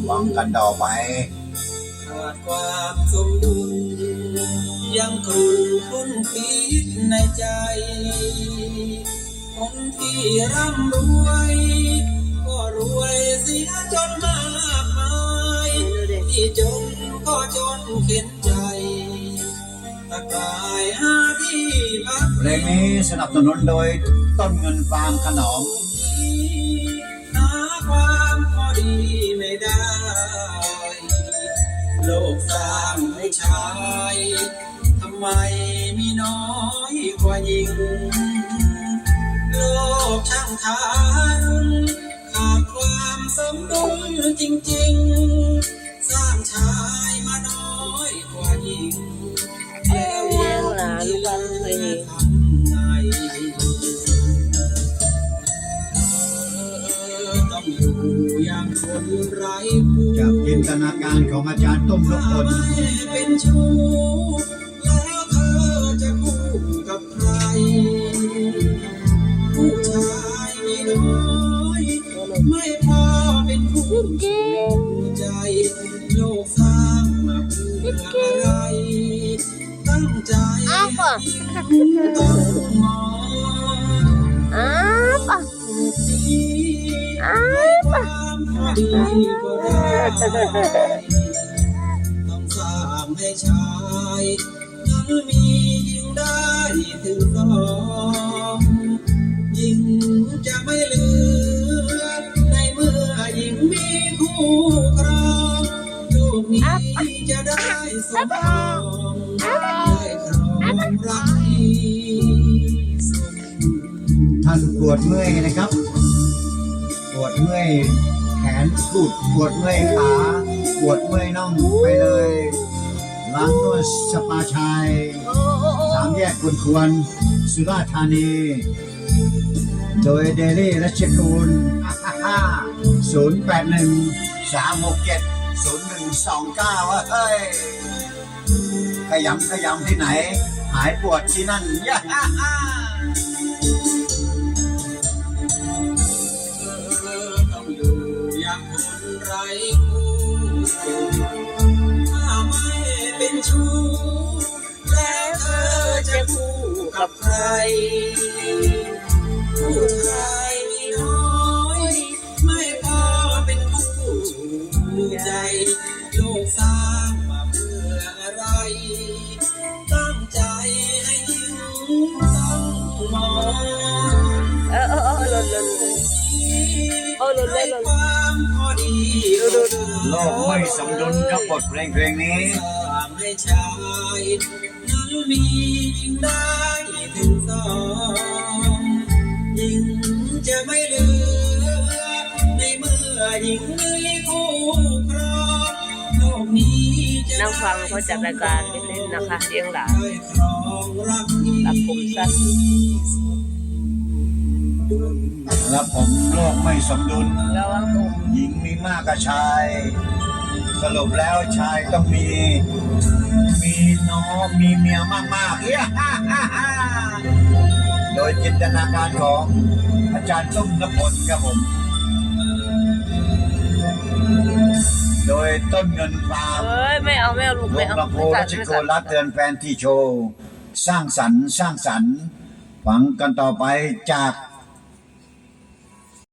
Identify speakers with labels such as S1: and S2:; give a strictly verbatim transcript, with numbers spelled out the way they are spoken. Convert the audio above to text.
S1: ฟังกันต่อไป
S2: ขาดความสมดุลยังกลุ่นคุ้นคิดในใจคนที่ร่ำรวยก็รวยเสียจนมากมายที่จนก็จนเข็นใจตะกายหาที่พัก
S1: เพลงนี้สนับสนุนโดยต้นเงินฟาร์มขนม
S2: หาความพอดีไม่ได้โลกสร้างให้ชายทำไมมีน้อยกว่าหญิงโลกช่างทารุณขาดความสมดุลจริงๆสร้างชายมาน้อยกว่าหญิงแล้วยังที่เหลือทำไงต้องอยู่อย่างคนไร้ผู้
S1: จากจินตนาการของอาจารย์ต้มนพพล
S2: เป็นชู้แล้วเธอจะคู่กับใครผู้ชายมีน้อยไม่พอเป็นคู่ใจโลกสร้างมาเพื่ออะไรตั้งใจต้องมอง
S3: อ้าวป่ะอ้าวป่ะ
S2: ดีก็ได้ต้องสร้างให้ชายนั้นมียิ่งได้ถึงสองยิ่งจะไม่เหลือในเมื่อยิ่งมีคู่ครองโลกนี้จะได้สมบูรณ์ได้ครองรักสม
S1: ท่านปวดเมื่อยนะครับปวดเมื่อยแขนกุดปวดเมื่อยขาปวดเมื่อยน่องไปเลยร้านนวดสปาชัยสามแยกกุนควรสุราษฎร์ธานีโดยเดลี่รัชกูลศูนย์แปดหนึ่งสามหกเจ็ดศูนย์หนึ่งสองเก้าเฮ้ยขยำขยำที่ไหนหายปวดที่นั่นย่า
S2: ไร้คู่ถ้าไม่เป็นชู้แล้วเธอจะคู่กับใครผู้ชายมีน้อยไม่พอเป็นคู่ใจโลกสร้างมาเพื่ออะไรตั้งใจให้ยิ่งต้องมอง
S3: เออเออเออหล่นหล่นโอ้หล่นเลยหล่น
S1: โลกไม่สมดุลกับบทเพลงเพลงนี้
S2: ให้ชายนั้นมียิ่งได้ถึงสองยิ่งจะไม่เหลือในเมื่อยิ่งมีคู่ครองโลกนี้
S3: นั่งฟังเขาจัดรายการเล่นๆนะคะเลี้ยงหลานตัดผมสั้น
S1: แล้วผมโลกไม่สมดุลหญิงมีมากกว่าชายสรุปแล้วชายต้องมีมีน้องมีเมียมากๆเฮ้โดยจินตนาการของอาจารย์ต้มนพพลครับผมโดยต้นเงินฟาร์ม
S3: เฮ้ยไม่เอาไม่เอาลูกไม่เอา
S1: ลำโพงรัชโกรัตเตือนแฟนที่โชว์สร้างสรรค์สร้างสรรค์ฟังกันต่อไปจาก